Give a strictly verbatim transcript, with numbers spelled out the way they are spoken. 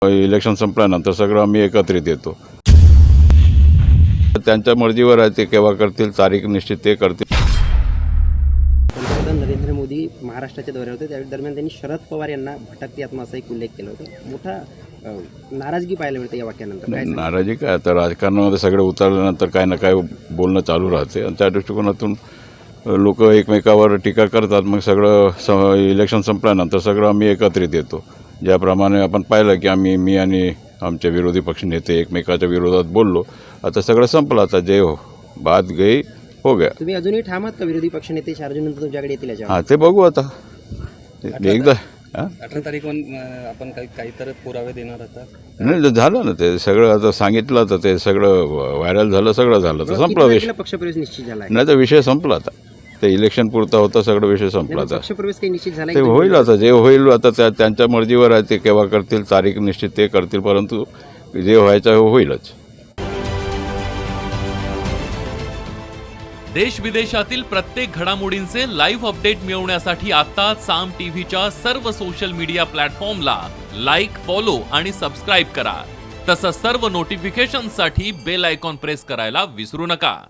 Election संपल्यानंतर सगळं आम्ही एकत्रित येतो. त्यांच्या मर्जीवर आहे, ते केव्हा करतील, तारीख निश्चित ते करतील. पंतप्रधान नरेंद्र मोदी महाराष्ट्राच्या दौऱ्यावर होते, त्या दरम्यान त्यांनी शरद पवार यांना भटकती आत्मा असा एक उल्लेख केला होता. मोठा अ, नाराजगी पाहायला मिळते या वाक्यानंतर. काय सांगाल? नाराजी काय, आता राजकारणामध्ये सगळे उतरल्यानंतर काय ना काय बोलणं चालू राहते आणि त्या दृष्टिकोनातून लोक एकमेकावर टीका करतात. मग सगळं स इलेक्शन संपल्यानंतर सगळं आम्ही एकत्रित येतो. ज्याप्रमाणे आपण पाहिलं की आम्ही मी आणि आमचे विरोधी पक्ष नेते एकमेकाच्या विरोधात बोललो, आता सगळं संपलं. आता जे हो बात गई हो गया. तुम्ही अजूनही ठाम आहात का विरोधी पक्षनेते चार जून नंतर तुमच्याकडे येतील याच्यावर? हां, ते बघू आता एकदा. हां, अठरा तारीख आपण काही काहीतरी पुरावे देणार आता. नाही झालं ना, ते सगळं आता सांगितलं, तर ते सगळं व्हायरल झालं, सगळं झालं, तर संपला विषय. पक्षप्रवेश निश्चित झाला आहे? नाही तर विषय संपला. आता ते इलेक्शन पुरता होता, सगळं विषय संपला. आता पक्षप्रवेश काही निश्चित झाला ते आहे? होईल, आता जे होईल आता त्या त्यांच्या मर्जीवर आहे, ते केव्हा करतील, तारीख निश्चित ते करतील, परंतु जे व्हायचं होईलच. देश विदेशातील प्रत्येक घडामोडींचे लाईव्ह अपडेट मिळवण्यासाठी आता साम टीव्हीच्या सर्व सोशल मीडिया प्लॅटफॉर्मला लाईक, फॉलो आणि सबस्क्राईब करा. तसंच सर्व नोटिफिकेशनसाठी बेल आयकॉन प्रेस करायला विसरू नका.